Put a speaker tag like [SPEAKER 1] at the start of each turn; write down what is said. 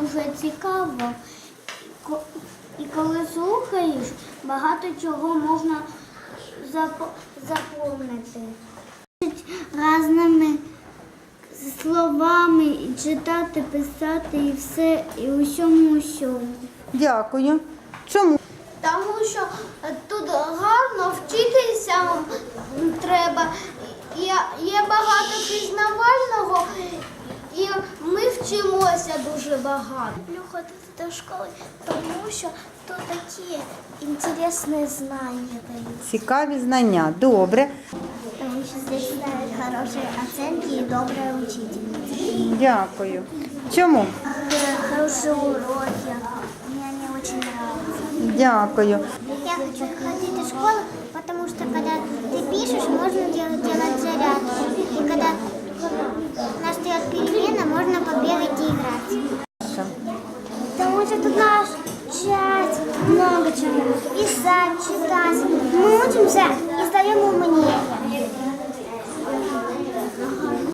[SPEAKER 1] дуже цікаво. І коли слухаєш, багато чого можна запомнити. Різними словами і читати, писати і все, і усьому.
[SPEAKER 2] Дякую. Чому?
[SPEAKER 1] Тому що тут гарно вчитися треба. Є багато пізнавального, і ми вчимося дуже багато. Люблю ходити до школи, тому що тут такі цікаві знання дають.
[SPEAKER 2] Цікаві знання. Добре.
[SPEAKER 1] Тому що здесь ставят хорошие оценки и добрая учительница.
[SPEAKER 2] Дякую. Чому?
[SPEAKER 1] Хорошие уроки. Мне они очень нравятся.
[SPEAKER 2] Дякую.
[SPEAKER 1] Я хочу ходить в школу, потому что когда ты пишешь, можно делать зарядку. И когда настает перемена, можно побегать и играть. Потому что тут надо читать много чего. Писать, читать. Мы учимся и сдаем